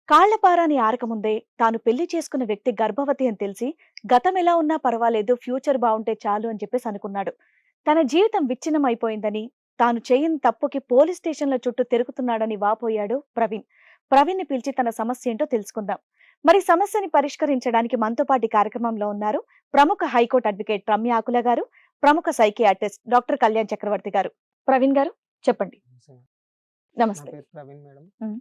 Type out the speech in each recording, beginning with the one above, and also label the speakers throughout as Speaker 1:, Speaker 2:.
Speaker 1: కాళ్లపారాని ఆరకముందే తాను పెళ్లి చేసుకున్న వ్యక్తి గర్భవతి అని తెలిసి గతం ఎలా ఉన్నా పర్వాలేదు ఫ్యూచర్ బావుంటే చాలు అని చెప్పేసి అనుకున్నాడు. తన జీవితం విచ్ఛిన్నం అయిపోయిందని, తాను చేయని తప్పుకి పోలీస్ స్టేషన్ల చుట్టూ తిరుగుతున్నాడని వాపోయాడు ప్రవీణ్. ప్రవీణ్ని పిలిచి తన సమస్య ఏంటో తెలుసుకుందాం. మరి సమస్యని పరిష్కరించడానికి మనతో పాటు ఈ కార్యక్రమంలో ఉన్నారు ప్రముఖ హైకోర్టు అడ్వకేట్ రమ్య ఆకుల గారు, ప్రముఖ సైకియాట్రిస్ట్ డాక్టర్ కళ్యాణ్ చక్రవర్తి గారు. ప్రవీణ్ గారు చెప్పండి.
Speaker 2: నా
Speaker 1: నమస్తే.
Speaker 2: పేరు ప్రవీణ్ మేడం.
Speaker 1: మ్మ్.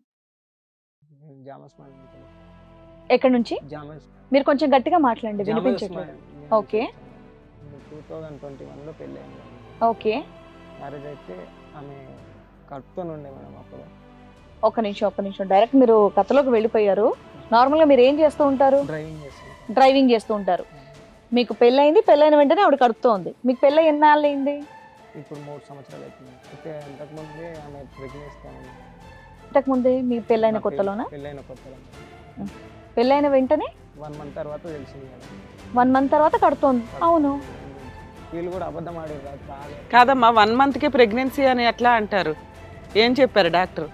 Speaker 2: నేను జామస్ మాల్ నుంచి.
Speaker 1: ఎక్కడి నుంచి?
Speaker 2: జామస్
Speaker 1: మీరు కొంచెం గట్టిగా మాట్లాడండి,
Speaker 2: జామస్
Speaker 1: వినిపించట్లేదు.
Speaker 2: మాల్ నుంచి
Speaker 1: ఓకే.
Speaker 2: వచ్చాను. 2021లో పెళ్ళి అయింది మేడం.
Speaker 1: ఓకే,
Speaker 2: మ్యారేజ్ అయితే ఆమె కడుపుతో ఉండే మేడం అప్పుడు.
Speaker 1: ఒక్క నిమిషం డైరెక్ట్ మీరు కథలోకి వెళ్ళిపోయారు. నార్మల్ గా మీరు ఏం చేస్తూ ఉంటారు?
Speaker 2: డ్రైవింగ్ చేస్తాను.
Speaker 1: డ్రైవింగ్ చేస్తూ ఉంటారు. మీకు పెళ్ళైంది, పెళ్ళైన వెంటనే ఆవిడ కడుపుతో ఉంది. మీకు పెళ్ళై ఎన్నాళ్ళు అయింది?
Speaker 2: ఇప్పుడు 3 సంవత్సరాలు అవుతుంది. అయితే అంతకుముందే ఆమె ప్రెగ్నెన్సీ
Speaker 1: ఇంతకు ముందే మీ పెళ్ళైన కొత్తలోనా?
Speaker 2: పెళ్ళైన కొత్తలో
Speaker 1: పెళ్ళైన వెంటనే
Speaker 2: 1 మంత్ తర్వాత తెలిసింది మేడం.
Speaker 1: 1 మంత్ తర్వాత కడుతోంది. అవును.
Speaker 2: వీళ్ళు కూడా అబద్ధం ఆడారు బాగా.
Speaker 3: కాదమ్మా, 1 మంత్కి ప్రెగ్నెన్సీ అని ఎట్లా అంటారు? ఏం చెప్పారు డాక్టర్?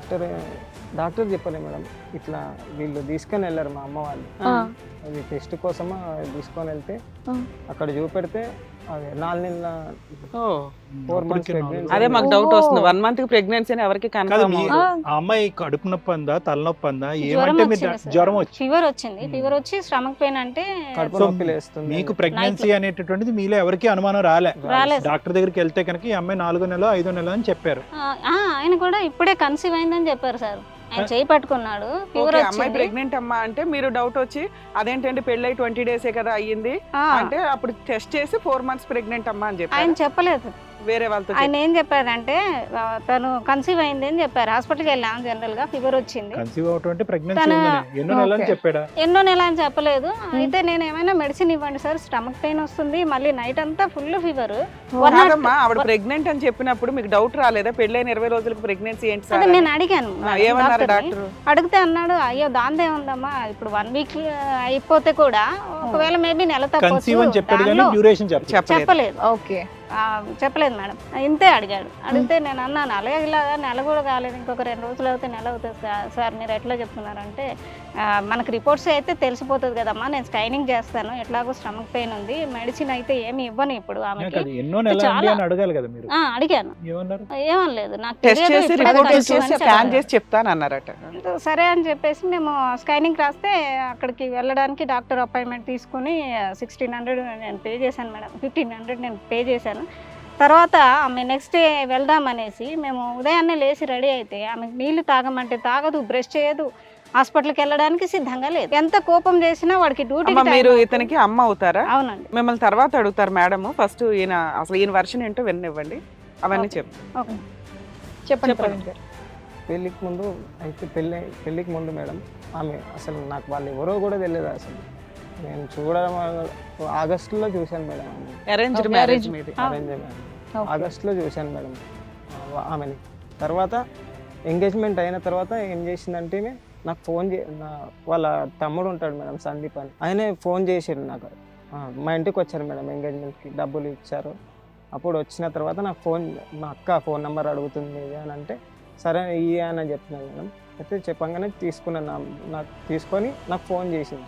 Speaker 2: డాక్టర్ చెప్పలే మేడం. ఇట్లా వీళ్ళు తీసుకొని వెళ్ళారు మా అమ్మ వాళ్ళు.
Speaker 1: ఆ,
Speaker 2: అది టెస్ట్ కోసమా తీసుకొని వెళ్తే
Speaker 1: ఆ.
Speaker 2: అక్కడ చూపెడితే అది 4 నెలల
Speaker 3: ఓ
Speaker 2: 4 మంత్స్ ప్రెగ్నెన్సీ.
Speaker 3: అదే మాకు
Speaker 1: ఓహో.
Speaker 3: డౌట్ వస్తుంది. 1 మంత్కి ప్రెగ్నెన్సీ అని ఎవరికి
Speaker 4: కాదు,
Speaker 3: కన్ఫర్మ్
Speaker 4: మీ-
Speaker 1: ఆ.
Speaker 4: ఆ అమ్మాయి కడుపు నొప్పి అందా, తలనొప్పి అందా,
Speaker 5: జ్వరం
Speaker 4: ఏమంటే మీరు
Speaker 5: వచ్చింది సార్.
Speaker 4: జ్వరం వచ్చి
Speaker 5: ఫీవర్ వచ్చింది.
Speaker 4: మ్మ్.
Speaker 5: ఫీవర్ వచ్చి స్టమక్ పెయిన్ అంటే
Speaker 2: కడుపు
Speaker 4: సో
Speaker 2: నొప్పి లేస్తుంది.
Speaker 4: మీకు ప్రెగ్నెన్సీ అనేటటువంటిది మీలో ఎవరికి అనుమానం
Speaker 5: రాలేదు.
Speaker 4: డాక్టర్ దగ్గరికి వెళ్తే కనుక ఈ అమ్మాయి 4 నెల 5 నెల అని చెప్పారు.
Speaker 5: ఆయన కూడా ఇప్పుడే కన్సీవ్ అయిందని చెప్పారు సార్. ఆయన చేయి పట్టుకున్నాడు, ఫీవర్
Speaker 3: ఓకే, అమ్మాయి
Speaker 5: వచ్చింది.
Speaker 3: ప్రెగ్నెంట్ అమ్మా అంటే మీరు డౌట్ వచ్చి అదేంటంటే పెళ్ళై 20 డేసే కదా అయ్యింది
Speaker 5: ఆ,
Speaker 3: అంటే అప్పుడు టెస్ట్ చేసి 4 మంత్స్ ప్రెగ్నెంట్ అమ్మా అని
Speaker 5: ఆయన
Speaker 3: చెప్పారు.
Speaker 5: చెప్పలేదు.
Speaker 3: వేరే వాళ్ళతో
Speaker 5: ఆయన ఏం చెప్పారంటే తను కన్సీవ్ అయింది అని చెప్పారు. హాస్పిటల్కి వెళ్ళాం, జనరల్ గా ఫీవర్ వచ్చింది.
Speaker 4: కన్సీవ్ అవటం అంటే ప్రెగ్నెన్సీ
Speaker 5: తన-
Speaker 4: ఉందని ఎన్నో నెలలు
Speaker 1: ఓకే.
Speaker 4: చెప్పాడా?
Speaker 5: ఎన్నో నెల అని చెప్పలేదు. అయితే నేను ఏమైనా మెడిసిన్ ఇవ్వండి సార్, స్టమక్ పెయిన్ వస్తుంది, మళ్ళీ నైట్ అంతా ఫుల్ ఫీవర్.
Speaker 3: కాదమ్మా, ఆవిడ ప్రెగ్నెంట్ అని చెప్పినప్పుడు మీకు డౌట్ రాలేదా? పెళ్ళైన 20 రోజులకు ప్రెగ్నెన్సీ ఏంటి సార్
Speaker 5: అదే
Speaker 3: అని?
Speaker 5: నేను అడిగాను
Speaker 3: ఏమన్నారు
Speaker 5: డాక్టర్ని.
Speaker 3: డాక్టర్?
Speaker 5: అడిగితే అన్నాడు, అయ్యో దాందే ఉందమ్మా, ఇప్పుడు 1 వీక్ అయిపోతే కూడా ఒకవేళ మేబీ నెల
Speaker 4: కన్సీవ్ అని చెప్పాడు కానీ
Speaker 5: తప్పొచ్చు.
Speaker 4: డ్యూరేషన్ చెప్పలేదు.
Speaker 5: చెప్పలేదు.
Speaker 1: ఓకే.
Speaker 5: చెప్పలేదు మేడం. ఇంతే అడిగాడు. అడిగితే నేను అన్నాను, అలాగే ఇలాగా నెల కూడా కాలేదు, ఇంకొక 2 రోజులు అయితే నెల అవుతుంది సార్, మీరు ఎట్లా చెప్తున్నారంటే మనకు రిపోర్ట్స్ అయితే తెలిసిపోతుంది కదమ్మా, నేను స్కైనింగ్ చేస్తాను, ఎట్లాగో స్టమక్ పెయిన్ ఉంది, మెడిసిన్ అయితే ఏమి ఇవ్వను ఇప్పుడు ఆమెకి.
Speaker 4: కాదు, ఎన్నో నెల
Speaker 5: చాలా-
Speaker 4: అని అడగాలి కదా మీరు.
Speaker 5: అడిగాను,
Speaker 4: ఏమన్నారు?
Speaker 5: ఏమనలేదు, నాకు
Speaker 3: టెస్ట్
Speaker 5: తెలియదు,
Speaker 3: చేసి
Speaker 5: ఇప్పుడే
Speaker 3: రిపోర్ట్
Speaker 5: కన్సీవ్
Speaker 3: చేసి
Speaker 5: అని
Speaker 3: స్కాన్
Speaker 5: చెప్పారు.
Speaker 3: చేసి చెప్తాను అన్నారట.
Speaker 5: సరే అని చెప్పేసి మేము స్కైనింగ్ రాస్తే అక్కడికి వెళ్ళడానికి డాక్టర్ అపాయింట్మెంట్ తీసుకుని 1600 నేను పే చేశాను మేడం. 1500 నేను పే చేశాను. తర్వాత ఆమె నెక్స్ట్ డే వెళ్దామనేసి మేము ఉదయాన్నే లేచి రెడీ అయితే ఆమెకు నీళ్లు తాగమంటే తాగదు, బ్రష్ చేయదు, హాస్పిటల్కి వెళ్ళడానికి సిద్ధంగా లేదు. ఎంత కోపం చేసినా వాడికి డ్యూటీ.
Speaker 3: అమ్మ, మీరు ఇతనికి అమ్మ అవుతారా?
Speaker 5: అవునండి.
Speaker 3: మిమ్మల్ని తర్వాత అడుగుతారు మేడం. ఫస్ట్ ఈయన అసలు ఈయన వర్షన్ ఏంటో వినివ్వండి, అవన్నీ
Speaker 5: ఓకే.
Speaker 3: చెప్పు.
Speaker 5: ఓకే.
Speaker 1: చెప్పండి
Speaker 3: చెప్పండి.
Speaker 1: ప్రవీణ్ గారు.
Speaker 2: పెళ్ళికి ముందు అయితే పెళ్ళికి ముందు మేడం ఆమె అసలు నాకు వాళ్ళు ఎవరో కూడా తెలియదు. అసలు నేను చూడడం ఆగస్టులో చూశాను madam.
Speaker 3: Arranged
Speaker 1: Okay,
Speaker 3: marriage
Speaker 1: arranged.
Speaker 3: మీది.
Speaker 2: Arrange madam.
Speaker 1: ఓకే.
Speaker 2: ఆగస్టులో చూశాను మేడం ఆమెని. తర్వాత ఎంగేజ్మెంట్ అయిన తర్వాత ఏం చేసిందంటే నాకు ఫోన్ వాళ్ళ తమ్ముడు ఉంటాడు మేడం, సందీప్ అని, ఆయనే ఫోన్ చేసాడు నాకు. మా ఇంటికి వచ్చారు మేడం, ఎంగేజ్మెంట్కి డబ్బులు ఇచ్చారు. అప్పుడు వచ్చిన తర్వాత నాకు మా అక్క ఫోన్ నెంబర్ అడుగుతుంది అని అంటే సరే ఇయ్య అని చెప్పినాను మేడం. అయితే చెప్పంగానే నాకు తీసుకొని నాకు ఫోన్ చేసింది.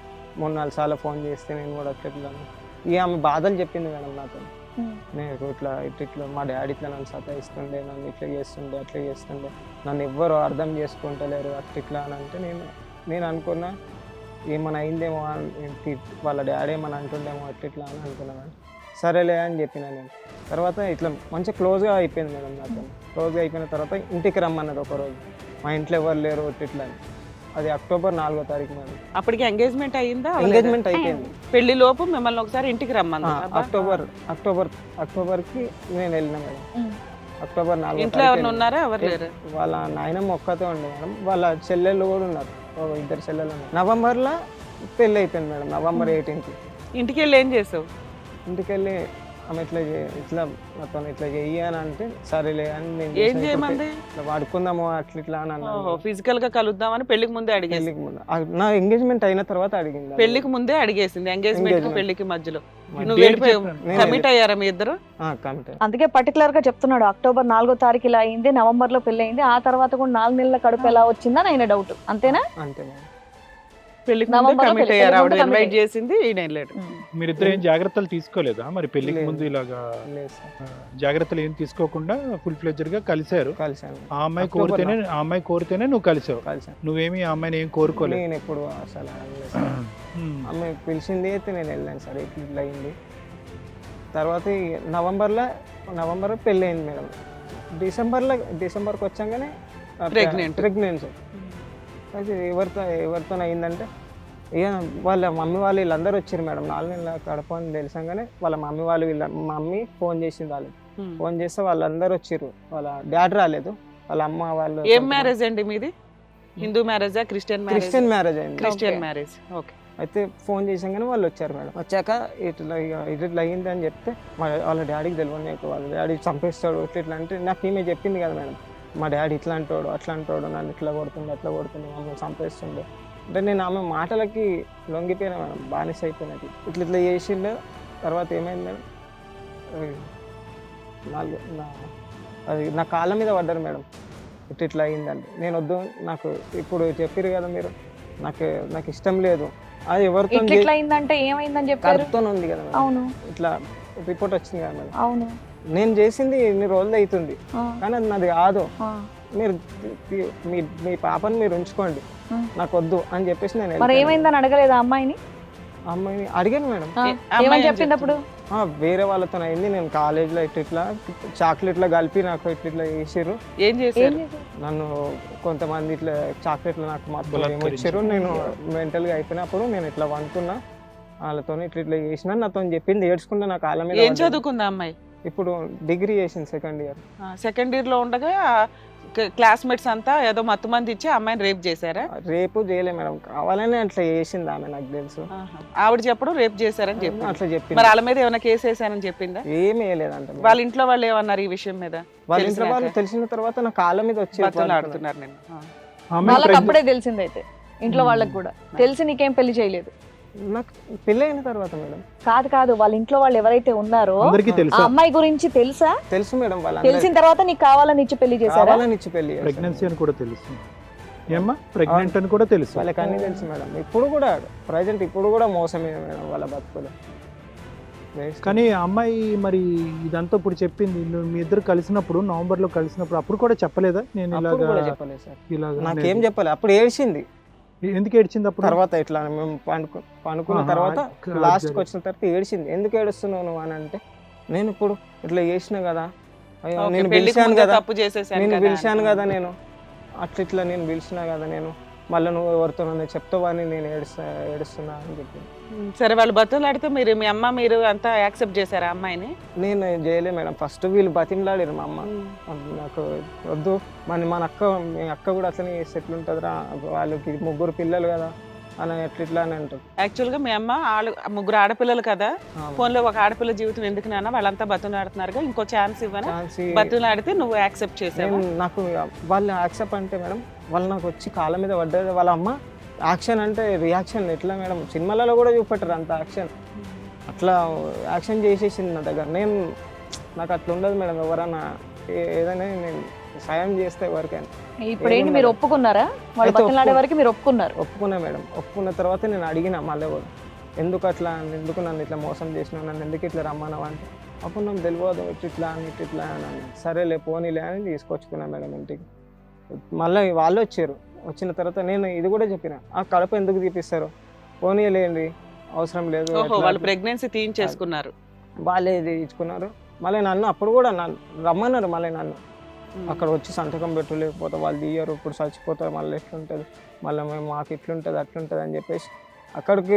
Speaker 2: 3-4 సార్లు ఫోన్ చేస్తే నేను కూడా చెప్పాను. ఇక ఆమె బాధలు చెప్పింది మేడం నాతో. నేను ఇట్లా మా డాడీ ఇట్లా నన్ను సతాయిస్తుండే, నన్ను ఇట్లా చేస్తుండే, అట్లా చేస్తుండే, నన్ను ఎవ్వరు అర్థం చేసుకుంటలేరు అట్లా అని అంటే నేను అనుకున్నా ఏమైనా అయిందేమో వాళ్ళ డాడీ ఏమైనా అంటుండేమో అట్లా అని అనుకున్నాను. సరేలే అని చెప్పిన నేను. తర్వాత ఇట్లా మంచిగా క్లోజ్గా అయిపోయింది మేడం నాతో. క్లోజ్గా అయిపోయిన తర్వాత ఇంటికి రమ్మన్నది ఒకరోజు. మా ఇంట్లో ఎవరు లేరు ఇట్లా అని. అది అక్టోబర్ 4వ తారీఖు మేడం.
Speaker 3: అప్పటికి ఎంగేజ్మెంట్ అయ్యిందా?
Speaker 2: ఎంగేజ్మెంట్ అయిపోయింది.
Speaker 3: పెళ్లి లోపు మిమ్మల్ని ఒకసారి ఇంటికి రమ్మంది.
Speaker 2: అక్టోబర్కి నేను వెళ్ళిన మేడం.
Speaker 1: ఉమ్.
Speaker 2: అక్టోబర్ 4వ
Speaker 3: ఇంట్లో
Speaker 2: తారీఖు
Speaker 3: ఎవరు ఉన్నారా? ఎవరు లేరు?
Speaker 2: వాళ్ళ నాయనమ్మ ఒక్కతే ఉండే మేడం. వాళ్ళ చెల్లెళ్ళు కూడా ఉన్నారు, 2 చెల్లెళ్ళు ఉన్నారు. నవంబర్లో పెళ్ళి అయిపోయింది మేడం, నవంబర్ 18కి.
Speaker 3: ఇంటికి వెళ్ళి ఏం చేసావు?
Speaker 2: ఇంటికి వెళ్ళి ఆమె ఇట్లా నాతో ఇట్లా చెయ్యి అని అంటే సరేలే అని నేను
Speaker 3: ఏం
Speaker 2: చేసిన.
Speaker 3: చేయమంది?
Speaker 2: ఇట్లా వాడుకుందాము అట్లా ఇట్లా అని అన్నాను.
Speaker 3: ఫిజికల్ గా కలుద్దామని పెళ్లికి ముందే అడిగేసి,
Speaker 2: పెళ్ళికి ముందు నా ఎంగేజ్మెంట్ అయిన తర్వాత అడిగింది.
Speaker 3: పెళ్లికి ముందే అడిగేసింది, ఎంగేజ్మెంట్ కి
Speaker 2: Engagement.
Speaker 3: పెళ్లికి మధ్యలో.
Speaker 4: మరి
Speaker 3: నువ్వు
Speaker 4: date
Speaker 3: వెళ్ళిపోయావు,
Speaker 4: చెప్పండి.
Speaker 2: నేను
Speaker 3: కమిట్ అయ్యారా మీ ఇద్దరు?
Speaker 2: కమిట్
Speaker 1: అందుకే పర్టికులర్ గా చెప్తున్నాడు అక్టోబర్ 4వ తారీఖు ఇలా అయింది, నవంబర్ లో పెళ్లి అయింది, ఆ తర్వాత కూడా 4 నెలల కడుపు ఎలా వచ్చిందని ఆయన డౌట్. అంతేనా?
Speaker 2: అంతే మేడం.
Speaker 3: పెళ్లికి ముందే
Speaker 1: నవంబర్లో
Speaker 3: కమిట్
Speaker 1: పెళ్లి-
Speaker 3: అయ్యారు, ఆవిడ
Speaker 1: పెళ్లికి ముందు
Speaker 3: ఇన్వైట్
Speaker 1: commit
Speaker 3: చేసింది, ఈయన వెళ్ళాడు.
Speaker 4: మీరిద్దరు ఏం జాగ్రత్తలు తీసుకోలేదా మరి పెళ్లికి
Speaker 2: లేదు.
Speaker 4: ముందు ఇలాగా
Speaker 2: లేదు సార్,
Speaker 4: జాగ్రత్తలు ఏం తీసుకోకుండా ఫుల్ ఫ్లెడ్జర్ గా కలిశారు.
Speaker 2: కలిసాను
Speaker 4: ఆ అమ్మాయి కోరితేనే నువ్వు కలిసావు.
Speaker 2: కలిసాను.
Speaker 4: నువ్వేమి ఆ అమ్మాయిని ఏం కోరుకోలేదు.
Speaker 2: నేను ఎప్పుడు అసలు అనలేదు సార్. ఆమె పిలిచింది అయితే నేను వెళ్ళాను సార్. ఇట్లా అయింది. తర్వాత నవంబర్లో పెళ్ళి అయింది మేడం. డిసెంబర్కి వచ్చాగానే ప్రెగ్నెన్సీ. అయితే ఎవరితో అయిందంటే ఇక వాళ్ళ మమ్మీ వాళ్ళు వీళ్ళందరూ వచ్చారు మేడం. 4 నెలల కడప అని తెలిసాగానే వాళ్ళ మమ్మీ వాళ్ళు మమ్మీ ఫోన్ చేసింది. వాళ్ళు ఫోన్ చేస్తే వాళ్ళందరూ వచ్చారు. వాళ్ళ డాడీ రాలేదు, వాళ్ళ అమ్మ వాళ్ళు.
Speaker 3: ఏం మ్యారేజ్ అండి మీది? హిందూ మ్యారేజా, క్రిస్టియన్
Speaker 2: మ్యారేజ్ అయింది.
Speaker 3: Christian marriage. ఓకే.
Speaker 2: అయితే ఫోన్ చేసాగానే వాళ్ళు వచ్చారు మేడం. వచ్చాక ఇట్లా అయ్యింది అని చెప్తే వాళ్ళ డాడీకి తెలియదు. వాళ్ళ డాడీ చంపేస్తాడు ఇట్లా అంటే నాకు ఈమె చెప్పింది కదా మేడం, మా డాడీ ఇట్లా అంటాడు అట్లా అంటాడు, నన్ను ఇట్లా కొడుతుంది అట్లా కొడుతుంది, మమ్మల్ని చంపేస్తుండే అంటే నేను ఆమె మాటలకి లొంగిపోయినా మేడం, బానిస అయిపోయినట్టు. ఇట్లా చేసిండు. తర్వాత ఏమైంది మేడం, అది నా కాళ్ళ మీద పడ్డారు మేడం. ఇట్లా అయిందండి. నేను వద్దు, నాకు ఇప్పుడు చెప్పారు కదా మీరు, నాకు ఇష్టం లేదు. అది ఎవరితో
Speaker 1: ఇట్లా అయిందంటే ఏమైందని చెప్పారు?
Speaker 2: కడుపుతో ఉంది కదా మేడం.
Speaker 1: అవును,
Speaker 2: ఇట్లా రిపోర్ట్ వచ్చింది కదా మేడం.
Speaker 1: అవును.
Speaker 2: నేను చేసింది ఇన్ని రోజులు అవుతుంది, కానీ అది నాది కాదు. మీరు మీ పాపని మీరు ఉంచుకోండి, నాకు వద్దు అని చెప్పేసి నేను
Speaker 1: మరి ఏమైందని అడగలేదు అమ్మాయిని?
Speaker 2: అమ్మాయిని అడిగాను మేడం.
Speaker 1: ఏమని చెప్పింది అప్పుడు?
Speaker 2: వేరే వాళ్ళతో అయింది, నేను కాలేజ్లో ఇట్లా చాక్లెట్లో కలిపి నాకు ఇట్లా చేసారు.
Speaker 3: ఏం చేశారు?
Speaker 2: నన్ను కొంతమంది ఇట్లా చాక్లెట్లు నాకు మాత్రం
Speaker 4: బలాత్కరించారు.
Speaker 2: వచ్చారు. నేను మెంటల్గా అయిపోయినప్పుడు నేను ఇట్లా వండుకున్నా, వాళ్ళతో ఇట్లా చేసిన నాతో చెప్పింది. ఏడ్చుకుంటే నా కాళ్ళ మీద
Speaker 3: ఏం
Speaker 2: పడ్డది.
Speaker 3: చదువుకుందా అమ్మాయి?
Speaker 2: ఇప్పుడు డిగ్రీ చేసింది, సెకండ్ ఇయర్.
Speaker 3: సెకండ్ ఇయర్ లో ఉండగా క్లాస్మేట్స్ అంతా ఏదో మత్తు మంది ఇచ్చి అమ్మాయిని రేప్ చేశారా?
Speaker 2: రేపు చేయలే మేడం, కావాలని అట్లా చేసింది ఆమె, నాకు తెలుసు.
Speaker 3: ఆవిడ చెప్పడం రేప్ చేశారని చెప్పి.
Speaker 2: అట్లా చెప్పింది.
Speaker 3: మరి వాళ్ళ మీద ఏమైనా కేసు వేసానని చెప్పిందా?
Speaker 2: ఏమి వేయలేదంట మేడం.
Speaker 3: వాళ్ళ ఇంట్లో వాళ్ళు ఏమన్నారు ఈ విషయం మీద?
Speaker 2: వాళ్ళ ఇంట్లో వాళ్ళు తెలిసిన తర్వాత నా కాళ్ళ మీద వచ్చి
Speaker 3: ఆడుతున్నారు నేను.
Speaker 1: వాళ్ళకి అప్పుడే తెలిసిందైతే, ఇంట్లో వాళ్ళకి కూడా తెలిసి నీకేం పెళ్లి చేయలేదు?
Speaker 2: నాకు పెళ్ళి అయిన తర్వాత మేడం.
Speaker 1: కాదు, వాళ్ళ ఇంట్లో వాళ్ళు ఎవరైతే ఉన్నారో
Speaker 4: అందరికీ
Speaker 1: ఆ
Speaker 4: తెలుసా?
Speaker 1: అమ్మాయి గురించి తెలుసా?
Speaker 2: తెలుసు మేడం.
Speaker 1: తెలిసిన తర్వాత నీకు కావాలని ఇచ్చి పెళ్లి చేశారా?
Speaker 2: కావాలని ఇచ్చి పెళ్లి చేశారు.
Speaker 4: ప్రెగ్నెన్సీ అని కూడా తెలుసు. ఏమ్మా ప్రెగ్నెంట్ అని కూడా తెలుసు.
Speaker 2: వాళ్ళకి అన్ని తెలుసు మేడం. ఇప్పుడు కూడా ప్రజెంట్ ఇప్పుడు కూడా మోసమే మేడం వాళ్ళ బతుకులు.
Speaker 4: కానీ ఆ అమ్మాయి మరి ఇదంతా ఇప్పుడు చెప్పింది, నువ్వు మీ ఇద్దరు కలిసినప్పుడు నవంబర్లో కలిసినప్పుడు అప్పుడు కూడా చెప్పలేదా? నేను
Speaker 2: అప్పుడు కూడా
Speaker 4: ఇలాగా
Speaker 2: చెప్పలేదు సార్,
Speaker 4: ఇలాగా
Speaker 2: నాకేం చెప్పాలి. అప్పుడు ఏడ్చింది.
Speaker 4: ఎందుకు ఏడ్చింది అప్పుడు?
Speaker 2: తర్వాత ఇట్లా మేము పనుకున్న తర్వాత లాస్ట్కి వచ్చిన తర్వాత ఏడ్చింది. ఎందుకు ఏడుస్తున్నావు నువ్వు అని అంటే, నేను ఇప్పుడు ఇట్లా చేసిన కదా, అయ్యో నేను పిలిచాను కదా,
Speaker 3: తప్పు చేసేసాను
Speaker 2: నేను
Speaker 3: కదా
Speaker 2: పిలిచాను కదా, నేను ఇట్లా నేను పిలిచినా కదా, నేను మళ్ళీ నువ్వు ఎవరితో చెప్తావని నేను ఏడుస్తున్నా అని చెప్పి.
Speaker 3: సరే, వాళ్ళు బతులాడితే మీరు మీ అమ్మ మీరు అంతా యాక్సెప్ట్ చేశారా అమ్మాయిని?
Speaker 2: నేను చేయలే మేడం. ఫస్ట్ వీళ్ళు బతిమలాడారు మా అమ్మ, నాకు వద్దు మన మీ అక్క కూడా అట్లనే చేస్తే ఎట్లుంటుందిరా, వాళ్ళకి 3 పిల్లలు కదా అని ఎట్లా అని అంటారు.
Speaker 3: యాక్చువల్గా మీ అమ్మ 3 ఆడపిల్లలు కదా, ఫోన్లో ఒక ఆడపిల్ల జీవితం ఎందుకు నాన్న, వాళ్ళంతా బతులాడుతున్నారుగా, ఇంకో ఛాన్స్ ఇవ్వనా? బతులాడితే నువ్వు యాక్సెప్ట్ చేసావు?
Speaker 2: నాకు వాళ్ళు యాక్సెప్ట్ అంటే మేడం, వాళ్ళు నాకు వచ్చి కాళ్ళ మీద పడ్డది. వాళ్ళ అమ్మ యాక్షన్ అంటే రియాక్షన్ ఎట్లా మేడం, సినిమాలలో కూడా చూపెట్టారు అంత యాక్షన్. అట్లా యాక్షన్ చేసేసింది నా దగ్గర. నాకు అట్లా ఉండదు మేడం. ఎవరైనా ఏదైనా నేను సాయం చేస్తే ఎవరికైనా.
Speaker 1: ఇప్పుడు ఏంటి, మీరు ఒప్పుకున్నారా? వాళ్ళు బతిలాడే వరకు మీరు ఒప్పుకున్నారు?
Speaker 2: ఒప్పుకున్నా మేడం. ఒప్పుకున్న తర్వాత నేను అడిగిన మళ్ళీ కూడా, ఎందుకు నన్ను ఇట్లా మోసం చేసినావు, నన్ను ఎందుకు ఇట్లా రమ్మన్నావు అంటే, అప్పుడు నాకు తెలియదు ఇట్లా అని. సరేలే పోనీలే అని తీసుకొచ్చుకున్నా మేడం ఇంటికి. మళ్ళీ వాళ్ళు వచ్చారు. వచ్చిన తర్వాత నేను ఇది కూడా చెప్పిన, ఆ కడప ఎందుకు తీపిస్తారు, పోనీలేండి అవసరం లేదు.
Speaker 3: వాళ్ళు ప్రెగ్నెన్సీ తీయించేసుకున్నారు,
Speaker 2: వాళ్ళే ఇచ్చుకున్నారు. మళ్ళీ నన్ను అప్పుడు కూడా రమ్మన్నారు. మళ్ళీ నన్ను అక్కడ వచ్చి సంతకం పెట్టు, లేకపోతే వాళ్ళు తీయరు, ఇప్పుడు చచ్చిపోతారు, మళ్ళీ ఎట్లుంటుంది, మళ్ళీ మాకు ఇట్లుంటుంది అట్లుంటుంది అని చెప్పేసి అక్కడికి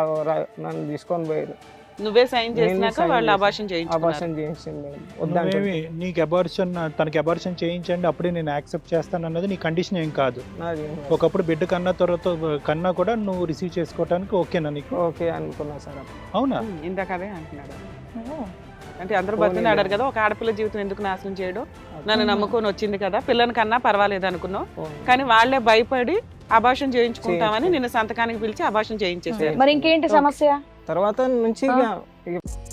Speaker 2: నన్ను తీసుకొని పోయారు.
Speaker 3: నువ్వే సైన్ చేసినాక వాళ్ళు అబార్షన్
Speaker 2: చేయించింది.
Speaker 4: వద్దంటే నీకు అబార్షన్, తనకి అబార్షన్ చేయించండి అప్పుడే నేను యాక్సెప్ట్ చేస్తాను అన్నది నీ కండిషన్ ఏం కాదు. ఒకప్పుడు బిడ్డ కన్నా కూడా నువ్వు రిసీవ్ చేసుకోవడానికి ఓకేనా నీకు?
Speaker 2: ఓకే అనుకున్నా సార్.
Speaker 4: అవునా?
Speaker 3: ఇందాక అదే అంటున్నాడు. అంటే అందరూ బతిలాడారు కదా, ఒక ఆడపిల్ల జీవితం ఎందుకు నాశనం చేయడం, నన్ను నమ్ముకొని వచ్చింది కదా, పిల్లని కన్నా పర్వాలేదు అనుకున్నావు, కానీ వాళ్ళే భయపడి అబార్షన్ చేయించుకుంటామని నిన్ను సంతకానికి పిలిచి అబార్షన్ చేయించేసారు.
Speaker 1: మరి ఇంకేంటి సమస్య?
Speaker 2: తర్వాత నుంచి ఇక